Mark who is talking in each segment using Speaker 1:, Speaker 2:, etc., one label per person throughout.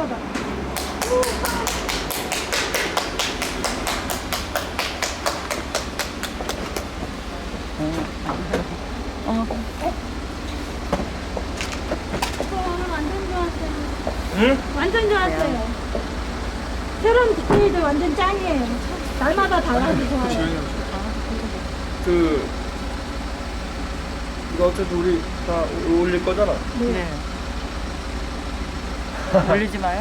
Speaker 1: 시원하다. 저 오늘 완전 좋았어요.
Speaker 2: 응?
Speaker 1: 완전 좋았어요. 새로운 디테일들 완전 짱이에요. 날마다 달라서 좋아요.
Speaker 2: 이거 어차피 우리 다 올릴 거잖아.
Speaker 3: 네. 올리지 마요.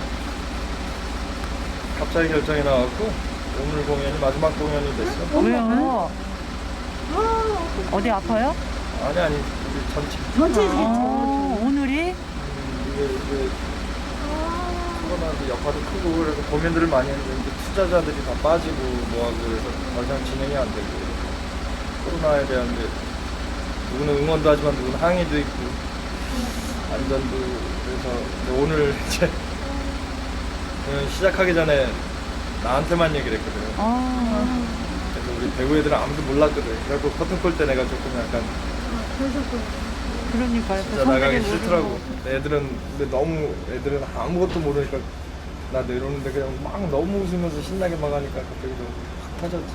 Speaker 2: 갑자기 결정이 나왔고 오늘 공연이 마지막 공연이 됐어.
Speaker 3: 왜요?
Speaker 1: 아,
Speaker 3: 어디 아파요?
Speaker 2: 아니 우리 전체.
Speaker 1: 전체
Speaker 3: 오늘이?
Speaker 2: 이게 코로나도 여파도 크고 그래서 고민들을 많이 했는데 이제 투자자들이 다 빠지고 뭐하고 그래서 더 이상 진행이 안 되고 코로나에 대한 이제 누구는 응원도 하지만 누구는 항의도 있고 안전도 그래서 이제 오늘 이제 공연 시작하기 전에 나한테만 얘기를 했거든. 그래서 우리 배우 애들은 아무도 몰랐거든. 그래갖고 커튼콜 때 내가 조금 약간
Speaker 3: 그러니까요.
Speaker 2: 진짜 나가기 싫더라고. 애들은 아무것도 모르니까 나 내려오는데 그냥 막 너무 웃으면서 신나게 막 하니까 갑자기 너무 확 터졌지.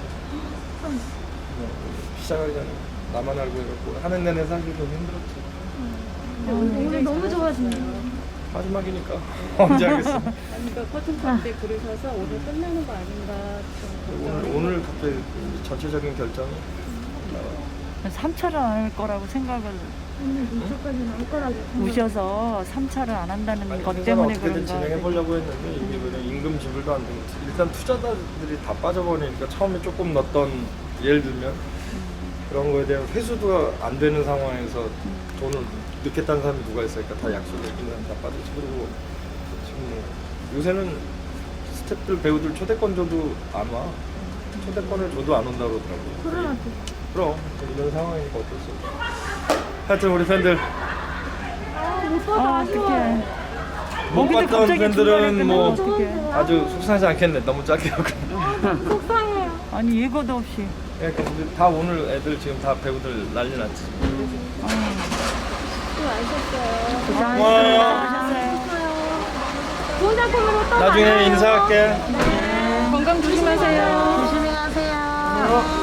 Speaker 2: 시작하기 전에 나만 알고 해갖고 하는 내내 사실 좀 힘들었지.
Speaker 1: 오늘 너무 좋아지네요.
Speaker 2: 마지막이니까 언제 하겠어.
Speaker 4: 그러니까 커튼콜 때 그러셔서 오늘 끝나는 거 아닌가 좀
Speaker 2: 오늘 갑자기 전체적인 결정이
Speaker 3: 3차를 안 할 거라고 생각을
Speaker 1: 오늘 2초까지 나올 거라고.
Speaker 3: 우셔서 3차를 안 한다는
Speaker 2: 아니,
Speaker 3: 것
Speaker 2: 행사는
Speaker 3: 때문에
Speaker 2: 어떻게든
Speaker 3: 그런가.
Speaker 2: 진행해 보려고 했는데 이게 그냥 임금 지불도 안 되고 일단 투자자들이 다 빠져버리니까 처음에 조금 넣었던 예를 들면 그런 거에 대한 회수도 안 되는 상황에서 돈을 넣겠다는 사람이 누가 있으니까 다 약속을 이기는 사람 다 빠졌지. 그리고 지금 뭐 요새는 스태프들 배우들 초대권 줘도 안 와. 초대권을 줘도 안 온다고 그러더라고.
Speaker 1: 코로나 때.
Speaker 2: 그럼 이런 상황이니까 어쩔 수 없어. 하여튼 우리 팬들
Speaker 1: 못 봐서 아쉬워.
Speaker 3: 어떡해.
Speaker 2: 못
Speaker 3: 거기도
Speaker 2: 봤던
Speaker 3: 갑자기
Speaker 2: 팬들은
Speaker 3: 중간에
Speaker 2: 뭐
Speaker 3: 어떡해.
Speaker 2: 아주 속상하지 않겠네. 너무 짧게 하고.
Speaker 1: 속상해요.
Speaker 3: 아니 예고도 없이.
Speaker 2: 그러니까 우리 다 오늘 애들 지금 다 배우들 난리 났지.
Speaker 1: 수고하셨어요.
Speaker 2: 고마워요.
Speaker 1: 좋은 작품으로 또
Speaker 2: 나중에
Speaker 1: 만나요.
Speaker 2: 인사할게.
Speaker 1: 건강 조심하세요. 조심히 가세요.